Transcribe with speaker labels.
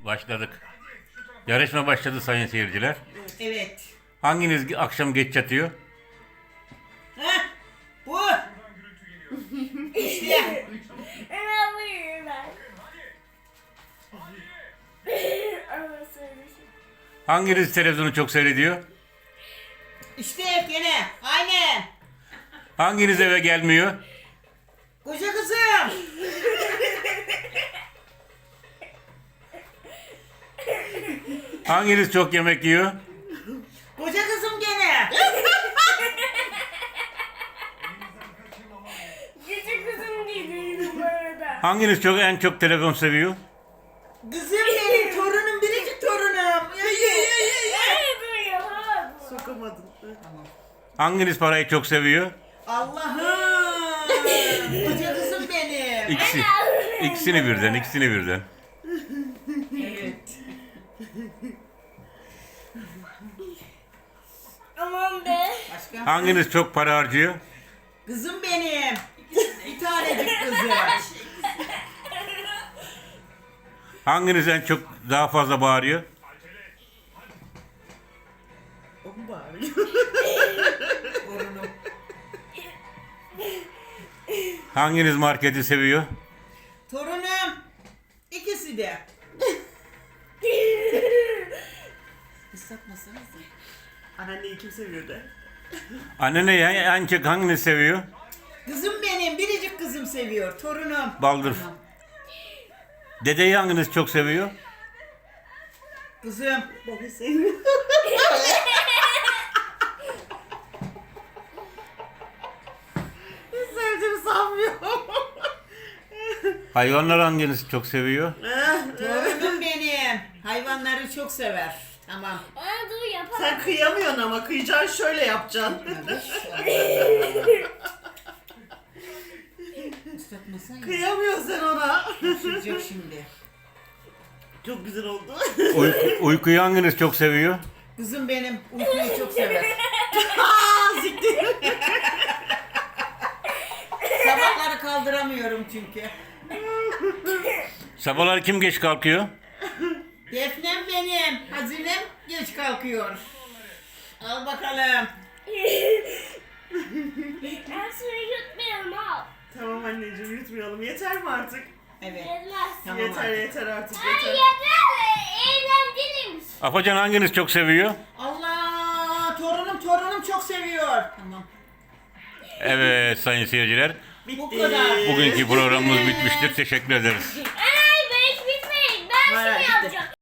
Speaker 1: Başladık. Yarışma başladı sayın seyirciler.
Speaker 2: Evet.
Speaker 1: Hanginiz akşam geç yatıyor?
Speaker 2: Heh, bu. İşte.
Speaker 1: Hanginiz televizyonu çok seyrediyor?
Speaker 2: İşte gene. Aynen.
Speaker 1: Hanginiz eve gelmiyor?
Speaker 2: Koca kızım.
Speaker 1: Hanginiz çok yemek yiyor?
Speaker 2: Koca kızım gene.
Speaker 3: Küçük kızım gibiydi bu arada.
Speaker 1: Hanginiz en çok telefon seviyor?
Speaker 2: Kızım benim torunum, biricik torunum. Ya.
Speaker 3: Ay dur yapamadım.
Speaker 4: Sokamadın.
Speaker 1: Hanginiz parayı çok seviyor?
Speaker 2: Allah'ım. Koca kızım benim.
Speaker 1: İkisini birden.
Speaker 2: Evet.
Speaker 3: Aman be.
Speaker 2: Başka?
Speaker 1: Hanginiz çok para harcıyor?
Speaker 2: Kızım benim. Bir tanecik kızım.
Speaker 1: Hanginiz en çok daha fazla bağırıyor?
Speaker 4: O mu bağırıyor?
Speaker 2: Torunum.
Speaker 1: Hanginiz marketi seviyor?
Speaker 2: Torunum. İkisi de. Islatmasanız da.
Speaker 4: Anneanneyi kim seviyor de?
Speaker 1: Annene en çok hanginiz seviyor?
Speaker 2: Kızım benim, biricik kızım seviyor. Torunum.
Speaker 1: Baldır. Dedeyi hanginiz çok seviyor?
Speaker 2: Kızım.
Speaker 4: Beni seviyor. Hiç sevdiğimi sanmıyorum.
Speaker 1: Hayvanlar hanginiz çok seviyor?
Speaker 2: Torunum benim. Hayvanları çok sever. Tamam.
Speaker 3: Aa dur yapamadım.
Speaker 4: Sen kıyamıyorsun ama kıyacaksın şöyle yapacaksın.
Speaker 2: Islatmasan ya.
Speaker 4: Kıyamıyorsun sen ona.
Speaker 2: Sürecek şimdi.
Speaker 4: Çok güzel oldu.
Speaker 1: Uykuyu hanginiz çok seviyor?
Speaker 2: Kızım benim uykuyu çok sever.
Speaker 4: Aa, siktir.
Speaker 2: Sabahları kaldıramıyorum çünkü.
Speaker 1: Sabahlar kim geç kalkıyor?
Speaker 2: Defnem benim. Hazinem geç kalkıyor. Al bakalım.
Speaker 3: Ben suyu yutmayalım al.
Speaker 4: Tamam anneciğim yutmayalım. Yeter mi artık?
Speaker 2: Evet.
Speaker 3: Yetmez.
Speaker 2: Tamam
Speaker 4: yeter
Speaker 2: artık.
Speaker 4: yeter artık
Speaker 3: Ay
Speaker 4: yeter.
Speaker 3: yeter. Eğlenceliymiş.
Speaker 1: Afacan hanginiz çok seviyor?
Speaker 2: Allah, torunum çok seviyor. Tamam.
Speaker 1: Evet sayın seyirciler.
Speaker 4: Bitti.
Speaker 2: Bu kadar.
Speaker 1: Bugünkü programımız bitmiştir. Teşekkür ederiz.
Speaker 3: Ay ben hiç bitmeyin. Ben
Speaker 2: Hayır,
Speaker 3: şunu
Speaker 2: bitti.
Speaker 3: yapacağım.